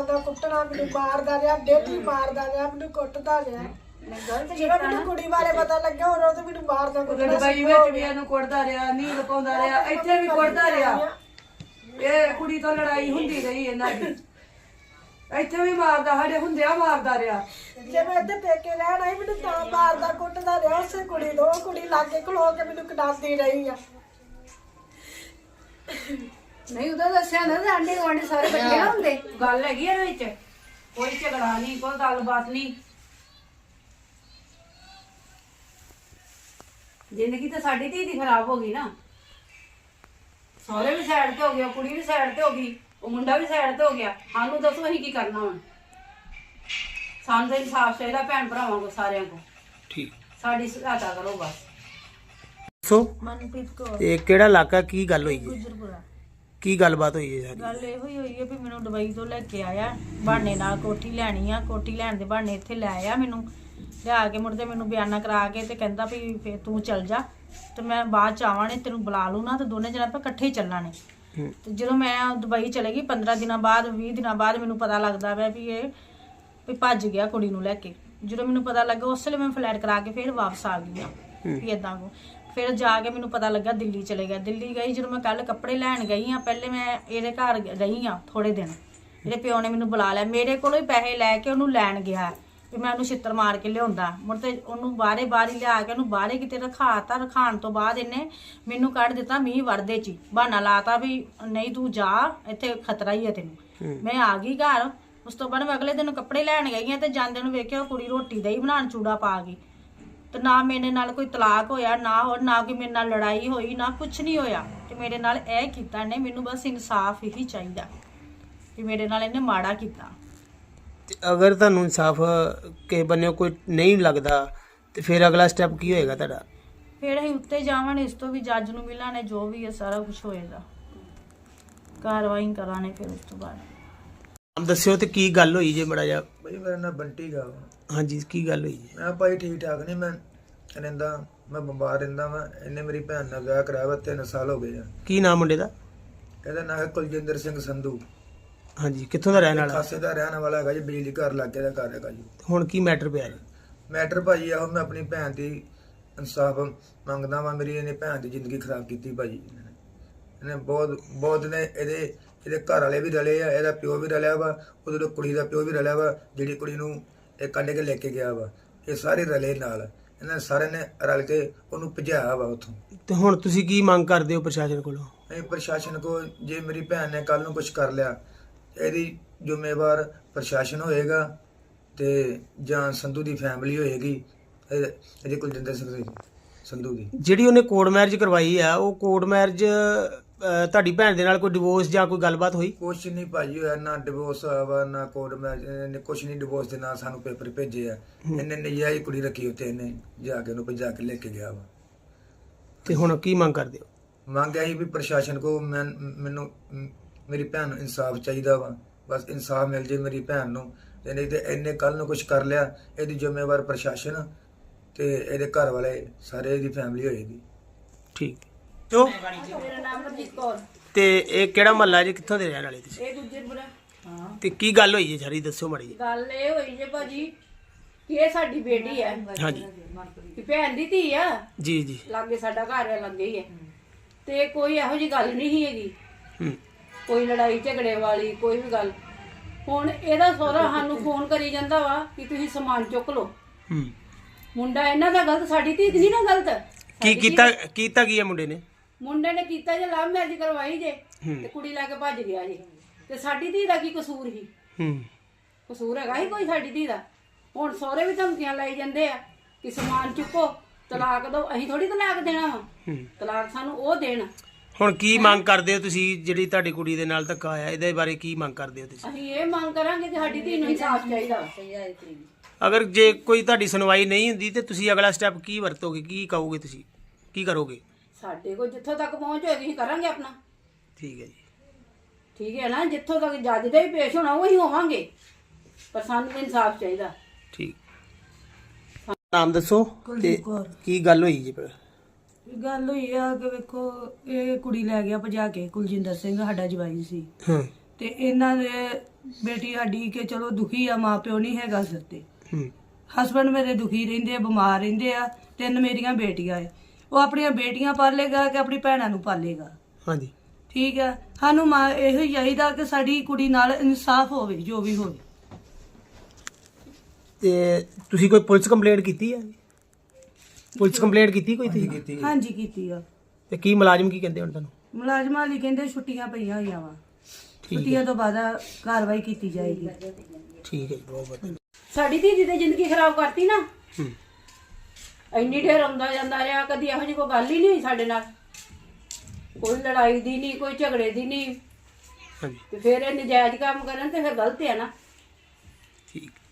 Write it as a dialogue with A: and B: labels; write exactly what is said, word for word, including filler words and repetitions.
A: ਮਾਰਦਾ ਕੁੱਟਣਾ, ਮੈਨੂੰ ਮਾਰਦਾ ਰਿਹਾ, ਡੇਲੀ ਮਾਰਦਾ ਰਿਹਾ, ਮੈਨੂੰ ਕੁੱਟਦਾ ਰਿਹਾ। ਜਦੋਂ ਮੈਨੂੰ ਕੁੜੀ ਬਾਰੇ ਪਤਾ ਲੱਗਿਆ ਉਦੋਂ ਤਾਂ ਮੈਨੂੰ ਮਾਰਦਾ ਕੁੱਟਦਾ।
B: ਦੁਬਈ ਵਿੱਚ ਵੀ ਇਹਨੂੰ ਕੁੱਟਦਾ ਰਿਹਾ, ਨੀਂਦ ਪਾਉਂਦਾ ਰਿਹਾ, ਇੱਥੇ ਵੀ ਕੁੱਟਦਾ ਰਿਹਾ। ਇਹ ਕੁੜੀ ਤੋਂ ਲੜਾਈ ਹੁੰਦੀ ਰਹੀ ਇਹਨਾਂ ਦੀ, ਇੱਥੇ ਵੀ ਮਾਰਦਾ, ਸਾਡੇ ਹੁੰਦਿਆਂ ਮਾਰਦਾ ਰਿਹਾ।
A: ਜੇ ਮੈਂ ਇੱਥੇ ਪੇਕੇ ਰਹਿਣ ਆਈ ਮੈਨੂੰ ਤਾਂ ਮਾਰਦਾ ਕੁੱਟਦਾ ਰਿਹਾ ਉਸੇ ਕੁੜੀ ਤੋਂ। ਉਹ ਕੁੜੀ ਲਾਗੇ ਖਲੋ ਕੇ ਮੈਨੂੰ ਕਟਾਉਂਦੀ ਰਹੀ ਆ।
C: ਨਹੀਂ ਉਹਦਾ ਦੱਸਿਆ ਨਾ ਆਂਡੇ ਗਵਾਂਡੇ ਸਾਰੇ ਬੱਚੇ ਨਾ ਹੁੰਦੇ।
B: ਗੱਲ ਹੈਗੀ ਇਹਦੇ ਵਿੱਚ, ਕੋਈ ਝਗੜਾ ਨਹੀਂ, ਕੋਈ ਗੱਲਬਾਤ ਨਹੀਂ। ਜ਼ਿੰਦਗੀ ਤਾਂ ਸਾਡੀ ਧੀ ਦੀ ਖਰਾਬ ਹੋ ਗਈ ਨਾ। ਸਹੁਰੇ ਵੀ ਸਾਈਡ ਤੇ ਹੋ ਗਿਆ, ਕੁੜੀ ਵੀ ਸਾਈਡ ਤੇ ਹੋ ਗਈ, ਉਹ ਮੁੰਡਾ ਵੀ ਸਾਈਡ ਤੇ ਹੋ ਗਿਆ। ਸਾਨੂੰ ਦੱਸੋ ਅਸੀਂ ਕੀ ਕਰਨਾ ਹੁਣ? ਸਾਨੂੰ ਤਾਂ ਇਨਸਾਫ ਚਾਹੀਦਾ ਭੈਣ ਭਰਾਵਾਂ ਕੋ, ਸਾਰਿਆਂ ਕੋ।
D: ਠੀਕ,
B: ਸਾਡੀ ਸਹਾਇਤਾ ਕਰੋ ਬਸ।
D: ਸੋ
E: ਮਨਪ੍ਰੀਤ ਕੌਰ,
D: ਇਹ ਕਿਹੜਾ ਇਲਾਕਾ, ਕੀ ਗੱਲ ਹੋਈ ਜੀ?
E: ਗੁਜਰਪੁਰਾ।
D: ਕੀ ਗੱਲਬਾਤ ਹੋਈ ਹੈ ਸਾਰੀ?
E: ਗੱਲ ਇਹੋ ਹੀ ਹੋਈ ਹੈ ਵੀ ਮੈਨੂੰ ਦੁਬਈ ਤੋਂ ਲੈ ਕੇ ਆਇਆ ਬਹਾਨੇ ਨਾਲ, ਕੋਠੀ ਲੈਣੀ ਆ, ਕੋਠੀ ਲੈਣ ਦੇ ਬਹਾਨੇ ਇੱਥੇ ਲੈ ਆਇਆ ਮੈਨੂੰ। ਲਿਆ ਕੇ ਮੁੜ ਕੇ ਮੈਨੂੰ ਬਿਆਨਾ ਕਰਾ ਕੇ ਤੇ ਕਹਿੰਦਾ ਵੀ ਫੇਰ ਤੂੰ ਚੱਲ ਜਾ ਤੇ ਮੈਂ ਬਾਅਦ ਚ ਆਵਾਂ ਨੇ ਤੈਨੂੰ ਬੁਲਾ ਲੂ ਨਾ, ਤੇ ਦੋਨੇ ਜਣੇ ਆਪਾਂ ਇਕੱਠੇ ਹੀ ਚੱਲਾਂਗੇ। ਤੇ ਜਦੋਂ ਮੈਂ ਦੁਬਈ ਚਲੇ ਗਈ ਪੰਦਰਾਂ ਦਿਨਾਂ ਬਾਅਦ ਵੀਹ ਦਿਨਾਂ ਬਾਅਦ ਮੈਨੂੰ ਪਤਾ ਲੱਗਦਾ ਵਾ ਵੀ ਇਹ ਵੀ ਭੱਜ ਗਿਆ ਕੁੜੀ ਨੂੰ ਲੈ ਕੇ। ਜਦੋਂ ਮੈਨੂੰ ਪਤਾ ਲੱਗਾ ਉਸ ਵੇਲੇ ਮੈਂ ਫਲੈਟ ਕਰਾ ਕੇ ਫਿਰ ਵਾਪਸ ਆ ਗਈ ਆ ਵੀ ਏਦਾਂ ਕੋ। ਫਿਰ ਜਾ ਕੇ ਮੈਨੂੰ ਪਤਾ ਲੱਗਾ ਦਿੱਲੀ ਚਲੇ ਗਿਆ। ਦਿੱਲੀ ਗਈ ਜਦੋਂ ਮੈਂ ਕੱਲ ਕੱਪੜੇ ਲੈਣ ਗਈ ਆ, ਪਹਿਲੇ ਮੈਂ ਇਹਦੇ ਘਰ ਰਹੀ ਆ ਥੋੜੇ ਦਿਨ। ਇਹਦੇ ਪਿਓ ਨੇ ਮੈਨੂੰ ਬੁਲਾ ਲਿਆ, ਮੇਰੇ ਕੋਲੋਂ ਹੀ ਪੈਸੇ ਲੈ ਕੇ ਉਹਨੂੰ ਲੈਣ ਗਿਆ ਵੀ ਮੈਂ ਉਹਨੂੰ ਛਿੱਤਰ ਮਾਰ ਕੇ ਲਿਆਉਂਦਾ। ਮੁੜ ਤੇ ਉਹਨੂੰ ਬਾਹਰੇ ਬਾਹਰ ਹੀ ਲਿਆ ਕੇ ਉਹਨੂੰ ਬਾਹਰੇ ਕਿਤੇ ਰਖਾਤਾ। ਰਖਾਣ ਤੋਂ ਬਾਅਦ ਇਹਨੇ ਮੈਨੂੰ ਕੱਢ ਦਿੱਤਾ ਮੀਂਹ ਵਰਦੇ ਚ, ਬਹਾਨਾ ਲਾਤਾ ਵੀ ਨਹੀਂ ਤੂੰ ਜਾ, ਇੱਥੇ ਖਤਰਾ ਹੀ ਹੈ ਤੈਨੂੰ। ਮੈਂ ਆ ਗਈ ਘਰ। ਉਸ ਤੋਂ ਬਾਅਦ ਮੈਂ ਅਗਲੇ ਦਿਨ ਕੱਪੜੇ ਲੈਣ ਗਈ ਆ ਤੇ ਜਾਂਦੇ ਨੂੰ ਵੇਖਿਆ ਉਹ ਕੁੜੀ ਰੋਟੀ ਦਹੀਂ ਬਣਾਉਣ ਚੂੜਾ ਪਾ ਗਈ। ਤੇ ਨਾ ਮੇਰੇ ਨਾਲ ਕੋਈ ਤਲਾਕ ਹੋਇਆ, ਨਾ ਹੋਰ ਨਾ ਕੋਈ ਮੇਰੇ ਨਾਲ ਲੜਾਈ ਹੋਈ, ਨਾ ਕੁਛ ਨਹੀਂ ਹੋਇਆ। ਤੇ ਮੇਰੇ ਨਾਲ ਇਹ ਕੀਤਾ ਇਹਨੇ, ਮੈਨੂੰ ਬਸ ਇਨਸਾਫ ਹੀ ਚਾਹੀਦਾ ਕਿ ਮੇਰੇ ਨਾਲ ਇਹਨੇ ਮਾੜਾ ਕੀਤਾ।
D: ਤੇ ਅਗਰ ਤੁਹਾਨੂੰ ਇਨਸਾਫ ਕਿਸੇ ਬੰਨੇ ਕੋਈ ਨਹੀਂ ਲੱਗਦਾ ਤੇ ਫਿਰ ਅਗਲਾ ਸਟੈਪ ਕੀ ਹੋਏਗਾ ਤੁਹਾਡਾ?
E: ਫਿਰ ਅਸੀਂ ਉੱਤੇ ਜਾਵਾਂਗੇ, ਇਸ ਤੋਂ ਵੀ ਜੱਜ ਨੂੰ ਮਿਲਾਂਗੇ, ਜੋ ਵੀ ਹੈ ਸਾਰਾ ਕੁਝ ਹੋਏਗਾ, ਕਾਰਵਾਈ ਕਰਾਂਗੇ। ਫਿਰ ਉਸ ਤੋਂ ਬਾਅਦ
D: ਨਾਮ ਦੱਸਿਓ ਤੇ ਕੀ ਗੱਲ ਹੋਈ ਜੇ ਬੜਾ ਜਿਹਾ?
F: ਭਾਈ ਮੇਰਾ ਨਾਮ ਬੰਟੀ ਗਾ ਵਾ।
D: ਹਾਂਜੀ, ਕੀ ਗੱਲ ਹੋਈ ਜੀ?
F: ਮੈਂ ਭਾਈ ਠੀਕ ਠਾਕ ਨਹੀਂ, ਮੈਂ ਰਹਿੰਦਾ, ਮੈਂ ਬਿਮਾਰ ਰਹਿੰਦਾ ਵਾ। ਇਹਨੇ ਮੇਰੀ ਭੈਣ ਨਾਲ ਵਿਆਹ ਕਰਾਇਆ ਵਾ, ਤਿੰਨ ਸਾਲ ਹੋ ਗਏ ਆ।
D: ਕੀ ਨਾਮ ਮੁੰਡੇ ਦਾ?
F: ਇਹਦਾ ਨਾਮ ਹੈ ਕੁਲਜਿੰਦਰ ਸਿੰਘ ਸੰਧੂ।
D: ਹਾਂਜੀ, ਕਿੱਥੋਂ ਦਾ ਰਹਿਣ ਵਾਲਾ?
F: ਖਾਸੇ ਦਾ ਰਹਿਣ ਵਾਲਾ ਹੈਗਾ ਜੀ, ਬਿਜਲੀ ਘਰ ਲਾਗੇ ਦਾ ਘਰ ਹੈਗਾ ਜੀ।
D: ਹੁਣ ਕੀ ਮੈਟਰ ਪਿਆ ਜੀ?
F: ਮੈਟਰ ਭਾਜੀ ਆਹੋ, ਮੈਂ ਆਪਣੀ ਭੈਣ ਦੀ ਇਨਸਾਫ ਮੰਗਦਾ ਵਾਂ। ਮੇਰੀ ਇਹਨੇ ਭੈਣ ਦੀ ਜ਼ਿੰਦਗੀ ਖਰਾਬ ਕੀਤੀ ਭਾਜੀ। ਇਹਨੇ ਬਹੁਤ ਬਹੁਤ ਨੇ ਇਹਦੇ ਇਹਦੇ ਘਰ ਵਾਲੇ ਵੀ ਰਲੇ ਆ, ਇਹਦਾ ਪਿਓ ਵੀ ਰਲਿਆ ਵਾ, ਉਹਦੇ ਕੁੜੀ ਦਾ ਪਿਓ ਵੀ ਰਲਿਆ ਵਾ, ਜਿਹੜੀ ਕੁੜੀ ਨੂੰ ਇਹ ਕੱਢ ਕੇ ਲੈ ਕੇ ਗਿਆ ਵਾ। ਇਹ ਸਾਰੇ ਰਲੇ ਨਾਲ, ਇਹਨਾਂ ਸਾਰਿਆਂ ਨੇ ਰਲ ਕੇ ਉਹਨੂੰ ਭਜਾਇਆ ਵਾ ਉੱਥੋਂ।
D: ਤੇ ਹੁਣ ਤੁਸੀਂ ਕੀ ਮੰਗ ਕਰਦੇ ਹੋ ਪ੍ਰਸ਼ਾਸਨ ਕੋਲੋਂ?
F: ਇਹ ਪ੍ਰਸ਼ਾਸਨ ਕੋ, ਜੇ ਮੇਰੀ ਭੈਣ ਨੇ ਕੱਲ ਨੂੰ ਕੁਝ ਕਰ ਲਿਆ, ਇਹਦੀ ਜ਼ਿੰਮੇਵਾਰ ਪ੍ਰਸ਼ਾਸਨ ਹੋਏਗਾ ਤੇ ਜਾਂ ਸੰਧੂ ਦੀ ਫੈਮਿਲੀ ਹੋਏਗੀ, ਇਹ- ਇਹਦੀ ਕੁਲਜਿੰਦਰ ਸਿੰਘ ਦੀ ਸੰਧੂ ਦੀ।
D: ਜਿਹੜੀ ਉਹਨੇ ਕੋਰਟ ਮੈਰਿਜ ਕਰਵਾਈ ਆ, ਉਹ ਕੋਰਟ ਮੈਰਿਜ ਤੁਹਾਡੀ ਭੈਣ ਦੇ ਨਾਲ ਕੋਈ ਡਿਵੋਰਸ ਜਾਂ ਕੋਈ ਗੱਲਬਾਤ ਹੋਈ?
F: ਕੁਛ ਨਹੀਂ ਭਾਜੀ ਹੋਇਆ, ਨਾ ਡਿਵੋਰਸ ਹੋਇਆ ਵਾ, ਨਾ ਕੋਰਟ ਮੈਰਿਜ। ਇਹਨੇ ਕੁਛ ਨਹੀਂ ਡਿਵੋਰਸ ਦੇ ਨਾਲ ਸਾਨੂੰ ਪੇਪਰ ਭੇਜੇ ਆ। ਇਹਨੇ ਨਜਾਇਜ਼ ਕੁੜੀ ਰੱਖੀ ਉੱਤੇ, ਇਹਨੇ ਜਾ ਕੇ ਉਹਨੂੰ ਭਜਾ ਕੇ ਲੈ ਕੇ ਗਿਆ ਵਾ।
D: ਤੇ ਹੁਣ ਕੀ ਮੰਗ ਕਰਦੇ ਹੋ?
F: ਮੰਗ ਆਈ ਵੀ ਪ੍ਰਸ਼ਾਸਨ ਕੋ ਮੈਂ ਮੈਨੂੰ ਮ- ਮੇਰੀ ਭੈਣ ਨੂੰ ਇਨਸਾਫ ਚਾਹੀਦਾ ਵਾ। ਬਸ ਇਨਸਾਫ ਮਿਲ ਜੇ ਮੇਰੀ ਭੈਣ ਨੂੰ, ਤੇ ਨਹੀਂ ਤੇ ਇਹਨੇ ਕੱਲ ਨੂੰ ਕੁਝ ਕਰ ਲਿਆ, ਇਹਦੀ ਜ਼ਿੰਮੇਵਾਰ ਪ੍ਰਸ਼ਾਸਨ ਤੇ ਇਹਦੇ ਘਰ ਵਾਲੇ, ਸਾਰੇ ਇਹਦੀ ਫੈਮਿਲੀ ਹੋਏਗੀ।
D: ਠੀਕ। ਜੋ
B: ਮੇਰਾ ਨਾਮ ਮਨਜੀਤ ਕੌਰ।
D: ਤੇ ਇਹ ਕਿਹੜਾ ਮਹੱਲਾ ਜੀ, ਕਿੱਥੋਂ ਦੇ ਰਹਿਣ ਵਾਲੇ ਤੁਸੀਂ?
B: ਇਹ ਗੁਜਰਪੁਰਾ। ਹਾਂ,
D: ਤੇ ਕੀ ਗੱਲ ਹੋਈ ਜੀ ਸਾਰੀ, ਦੱਸੋ ਮਾੜੀ ਜੀ।
B: ਗੱਲ ਇਹ ਹੋਈ ਜੇ ਭਾਜੀ ਕਿ ਇਹ ਸਾਡੀ ਬੇਟੀ ਹੈ,
D: ਹਾਂਜੀ,
B: ਕਿ ਭੈਣ ਦੀ ਧੀ ਆ।
D: ਜੀ ਜੀ।
B: ਲਾਗੇ ਸਾਡਾ ਘਰ ਹੈ, ਲੱਗੇ ਹੀ ਹੈ। ਤੇ ਕੋਈ ਇਹੋ ਜੀ ਗੱਲ ਨਹੀਂ ਸੀ ਹੈਗੀ,
D: ਹੂੰ,
B: ਕੋਈ ਲੜਾਈ ਝਗੜੇ ਵਾਲੀ ਕੋਈ ਵੀ ਗੱਲ। ਹੁਣ ਇਹਦਾ ਸਹੁਰਾ ਸਾਨੂੰ ਫੋਨ ਕਰੀ ਜਾਂਦਾ ਵਾ ਕਿ ਤੁਸੀਂ ਸਮਾਨ ਚੁੱਕ ਲਓ।
D: ਹੂੰ।
B: ਮੁੰਡਾ ਇਹਨਾਂ ਦਾ ਗਲਤ, ਸਾਡੀ ਧੀ ਨਹੀਂ ਨਾ ਗਲਤ।
D: ਕੀ ਕੀਤਾ ਕੀਤਾ ਕੀ ਹੈ ਮੁੰਡੇ ਨੇ?
B: ਮੁੰਡੇ ਨੇ ਕੀਤਾ ਜੇ ਲਵ ਮੈਰਿਜ ਕਰਵਾਈ ਜੇ,
D: ਹੂੰ।
B: ਤੇ ਕੁੜੀ ਲੈ ਕੇ ਭੱਜ ਗਿਆ ਜੀ। ਤੇ ਸਾਡੀ ਧੀ ਦਾ ਕੀ ਕਸੂਰ ਸੀ?
D: ਹੂੰ।
B: ਕਸੂਰ ਹੈਗਾ ਹੀ ਕੋਈ ਸਾਡੀ ਧੀ ਦਾ? ਹੁਣ ਸਹੁਰੇ ਵੀ ਧਮਕੀਆਂ ਲਾਈ ਜਾਂਦੇ ਆ ਕਿ ਸਮਾਨ ਚੁੱਕੋ, ਤਲਾਕ ਦਿਓ। ਅਸੀਂ ਥੋੜੀ ਤਲਾਕ ਦੇਣਾ ਵਾ,
D: ਹੂੰ।
B: ਤਲਾਕ ਸਾਨੂੰ ਉਹ ਦੇਣ।
D: ਹੁਣ ਕੀ ਮੰਗ ਕਰਦੇ ਹੋ ਤੁਸੀਂ, ਜਿਹੜੀ ਤੁਹਾਡੀ ਕੁੜੀ ਦੇ ਨਾਲ ਧੱਕਾ ਹੋਇਆ, ਇਹਦੇ ਬਾਰੇ ਕੀ ਮੰਗ ਕਰਦੇ ਹੋ ਤੁਸੀਂ?
B: ਅਸੀਂ ਇਹ ਮੰਗ ਕਰਾਂਗੇ ਕਿ ਸਾਡੀ ਧੀ ਨੂੰ ਇਨਸਾਫ ਚਾਹੀਦਾ।
D: ਅਗਰ ਜੇ ਕੋਈ ਤੁਹਾਡੀ ਸੁਣਵਾਈ ਨਹੀਂ ਹੁੰਦੀ ਤੇ ਤੁਸੀਂ ਅਗਲਾ ਸਟੈਪ ਕੀ ਵਰਤੋਗੇ, ਕੀ ਕਹੋਗੇ, ਤੁਸੀਂ ਕੀ ਕਰੋਗੇ?
B: ਸਾਡੇ ਕੋਲ ਜਿੱਥੋਂ ਤੱਕ ਪਹੁੰਚ ਹੋਏਗੀ ਅਸੀਂ ਕਰਾਂਗੇ ਆਪਣਾ।
D: ਠੀਕ ਹੈ ਜੀ।
B: ਠੀਕ ਹੈ ਨਾ, ਜਿੱਥੋਂ ਤੱਕ ਜੱਜ ਦੇ ਵੀ ਪੇਸ਼ ਹੋਣਾ ਉਹੀ ਹੋਵਾਂਗੇ, ਪਰ ਸਾਨੂੰ ਇਨਸਾਫ ਚਾਹੀਦਾ।
D: ਠੀਕ। ਨਾਮ ਦੱਸੋ ਤੇ
E: ਕੁਲਦੀਪ ਕੌਰ।
D: ਕੀ ਗੱਲ ਹੋਈ ਜੀ?
E: ਗੱਲ ਹੋਈ ਆ ਕਿ ਵੇਖੋ ਇਹ ਕੁੜੀ ਲੈ ਗਿਆ ਭਜਾ ਕੇ, ਕੁਲਜਿੰਦਰ ਸਿੰਘ ਸਾਡਾ ਜਵਾਈ ਸੀ।
D: ਹਾਂ।
B: ਤੇ ਇਹਨਾਂ ਦੇ ਬੇਟੀ ਸਾਡੀ ਕਿ ਚਲੋ ਦੁਖੀ ਆ, ਮਾਂ ਪਿਓ ਨਹੀਂ ਹੈਗਾ ਸਿਰ ਤੇ।
D: ਹੂੰ
B: ਹਸਬੰਡ ਮੇਰੇ ਦੁਖੀ ਰਹਿੰਦੇ ਆ, ਬਿਮਾਰ ਰਹਿੰਦੇ ਆ। ਤਿੰਨ ਮੇਰੀਆਂ ਬੇਟੀਆਂ ਏ, ਉਹ ਆਪਣੀਆਂ ਬੇਟੀਆਂ ਪਾਲੇਗਾ ਕਿ ਆਪਣੀ ਭੈਣਾਂ ਨੂੰ ਪਾਲੇਗਾ।
D: ਹਾਂਜੀ
B: ਠੀਕ ਆ, ਸਾਨੂੰ ਮਾਂ ਇਹੋ ਹੀ ਚਾਹੀਦਾ ਕਿ ਸਾਡੀ ਕੁੜੀ ਨਾਲ ਇਨਸਾਫ ਹੋਵੇ, ਜੋ ਵੀ ਹੋਵੇ।
D: ਤੇ ਤੁਸੀਂ ਕੋਈ ਪੁਲਿਸ ਕੰਪਲੇਂਟ ਕੀਤੀ ਹੈ? ਪੁਲਿਸ ਕੰਪਲੇਂਟ ਕੀਤੀ ਕੋਈ ਤੁਸੀਂ?
F: ਕੀਤੀ
B: ਹਾਂਜੀ ਕੀਤੀ ਆ।
D: ਤੇ ਕੀ ਮੁਲਾਜ਼ਮ ਕੀ ਕਹਿੰਦੇ ਹੁਣ ਤੁਹਾਨੂੰ?
B: ਮੁਲਾਜ਼ਮਾਂ ਲਈ ਕਹਿੰਦੇ ਛੁੱਟੀਆਂ ਪਈਆਂ ਹੋਈਆਂ ਵਾ,
D: ਠੀਕ ਹੈ
B: ਛੁੱਟੀਆਂ ਤੋਂ ਬਾਅਦ ਕਾਰਵਾਈ ਕੀਤੀ ਜਾਏਗੀ।
D: ਠੀਕ ਹੈ ਜੀ, ਬਹੁਤ ਬਹੁਤ
C: ਸਾਡੀ ਧੀ ਦੀ ਤੇ ਜ਼ਿੰਦਗੀ ਖਰਾਬ ਕਰਤੀ ਨਾ।
D: ਹੂੰ
C: ਇੰਨੀ ਢੇਰ ਆਉਂਦਾ ਜਾਂਦਾ ਰਿਹਾ, ਕਦੀ ਇਹੋ ਜਿਹੀ ਕੋਈ ਗੱਲ ਹੀ ਨਹੀਂ ਹੋਈ ਸਾਡੇ ਨਾਲ, ਕੋਈ ਲੜਾਈ ਦੀ ਨਹੀਂ, ਕੋਈ ਝਗੜੇ ਦੀ ਨਹੀਂ।
D: ਹਾਂਜੀ
C: ਤੇ ਫਿਰ ਇਹ ਨਜਾਇਜ਼ ਕੰਮ ਕਰਨ ਤੇ ਫਿਰ ਗਲਤ ਹੈ ਨਾ।
D: ਠੀਕ।